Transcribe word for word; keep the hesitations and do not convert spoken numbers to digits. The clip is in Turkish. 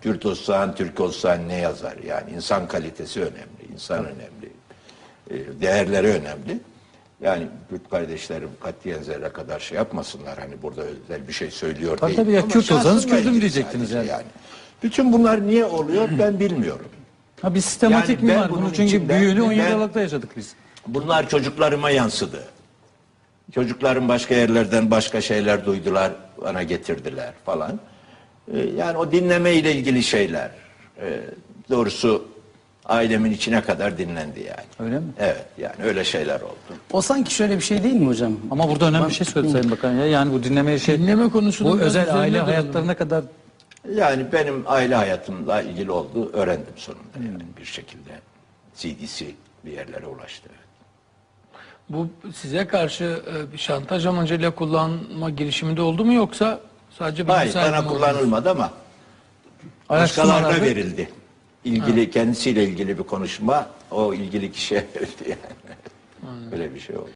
Kürt olsan, Türk olsan ne yazar? Yani insan kalitesi önemli, insan önemli, e, değerleri önemli. Yani Kürt kardeşlerim katiyen zerre kadar şey yapmasınlar. Hani burada özel bir şey söylüyor Tabii değil. tabii ya, Ama Kürt olsanız şahsımla Kürt'üm ilgili diyecektiniz sadece yani. Bütün bunlar niye oluyor ben bilmiyorum. Ha, bir sistematik Yani mi ben var? bunun Bunu çünkü içinde- büyüğünü on yedi ben- Aralık'ta yaşadık biz. Bunlar çocuklarıma yansıdı. Çocuklarım başka yerlerden başka şeyler duydular, bana getirdiler falan. Ee, yani o dinleme ile ilgili şeyler. Ee, doğrusu ailemin içine kadar dinlendi yani. Öyle mi? Evet, yani öyle şeyler oldu. O sanki şöyle bir şey değil mi hocam? Ama burada önemli bir şey söyledi Sayın Bakan ya. Yani bu dinleme şey, Dinleme konusunu bu biraz özel üzerine aile duralım. hayatlarına kadar Yani benim aile hayatımla ilgili olduğu öğrendim sonunda yani bir şekilde. C D C bir yerlere ulaştı. Bu size karşı e, bir şantaj amacıyla kullanma girişiminde oldu mu yoksa sadece bir Hayır, müsaade bana mi oldu? kullanılmadı ama başkalarına araştırmalarda verildi. İlgili kendisiyle ilgili bir konuşma o ilgili kişiye verildi yani. Öyle bir şey oldu.